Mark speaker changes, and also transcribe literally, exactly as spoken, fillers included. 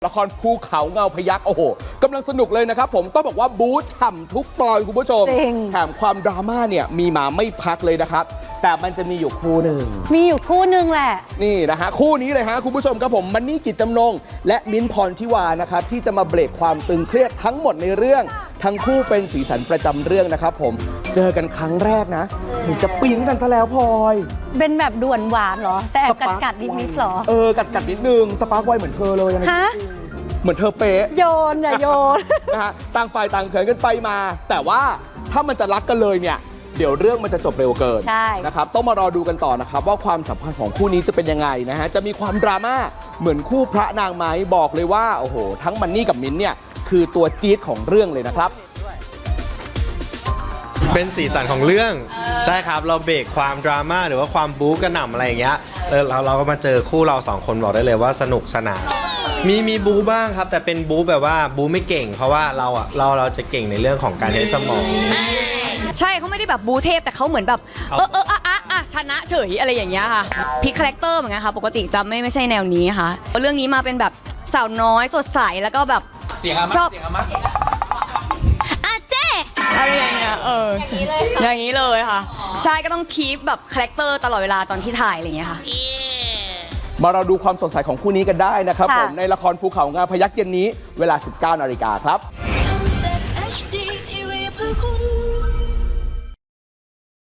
Speaker 1: ละครภูเขาเงาพยัคฆ์โอ้โหกำลังสนุกเลยนะครับผมต้องบอกว่าบู๊ฉ่ำทุกตอนคุณผู้ชมแถมความดราม่าเนี่ยมีมาไม่พักเลยนะครับแต่มันจะมีอยู่คู่หนึ่ง
Speaker 2: มีอยู่คู่หนึ่งแหละ
Speaker 1: นี่นะฮะคู่นี้เลยฮะคุณผู้ชมครับผมมันนี่กิจจำนงและมิ้นท์พรทิวานะครับที่จะมาเบรกความตึงเครียดทั้งหมดในเรื่องทั้งคู่เป็นสีสันประจำเรื่องนะครับผมเจอกันครั้งแรกนะถึงจะปิ๊งกันซะแล้วพลอย
Speaker 2: เป็นแบบด่วนหวานเหรอแต่แอบกัดกัดนิดนิดหรอ
Speaker 1: เออกัดกัดนิดนึงสปาร์คไวเหมือนเธอเลยนะ
Speaker 2: ฮะ
Speaker 1: เหมือนเธอเป๊ะ
Speaker 2: โยนอย่าโยน
Speaker 1: นะฮะต่างฝ่ายต่างเขินกันไปมาแต่ว่าถ้ามันจะรักกันเลยเนี่ยเดี๋ยวเรื่องมันจะจบเร็วเกินนะครับต้องมารอดูกันต่อนะครับว่าความสัมพันธ์ของคู่นี้จะเป็นยังไงนะฮะจะมีความดราม่าเหมือนคู่พระนางไหมบอกเลยว่าโอ้โหทั้งมันนี่กับมิ้นเนี่ยคือตัวจี๊ดของเรื่องเลยนะครับ
Speaker 3: เป็นสีสันของเรื่องใช่ครับเราเบรกความดราม่าหรือว่าความบู๊กระหน่ำอะไรอย่างเงี้ยเออเราเราก็มาเจอคู่เราสองคนบอกได้เลยว่าสนุกสนานมีมีบู๊บ้างครับแต่เป็นบู๊แบบว่าบู๊ไม่เก่งเพราะว่าเราอ่ะเราเราจะเก่งในเรื่องของการใช้สมอง
Speaker 4: ใช่เขาไม่ได้แบบบูเทพแต่เขาเหมือนแบบเออเอออ่ะอ่ะอ่ะชนะเฉยอะไรอย่างเงี้ยค่ะพลิกคาแรคเตอร์เหมือนกันค่ะปกติจะไม่ไม่ใช่แนวนี้ค่ะเรื่องนี้มาเป็นแบบสาวน้อยสดใสแล้วก็แบบชอบอาเจ้อะไรอย่างเงี้ยเอออย่างนี้เลยค่ะใช่ก็ต้องคีปแบบคาแรคเตอร์ตลอดเวลาตอนที่ถ่ายอะไรอย่างเงี้ยค่ะ
Speaker 1: มาเราดูความสดใสของคู่นี้กันได้นะครับผมในละครภูเขาเงาพยัคฆ์เย็นนี้เวลา สิบเก้านาฬิกาครับ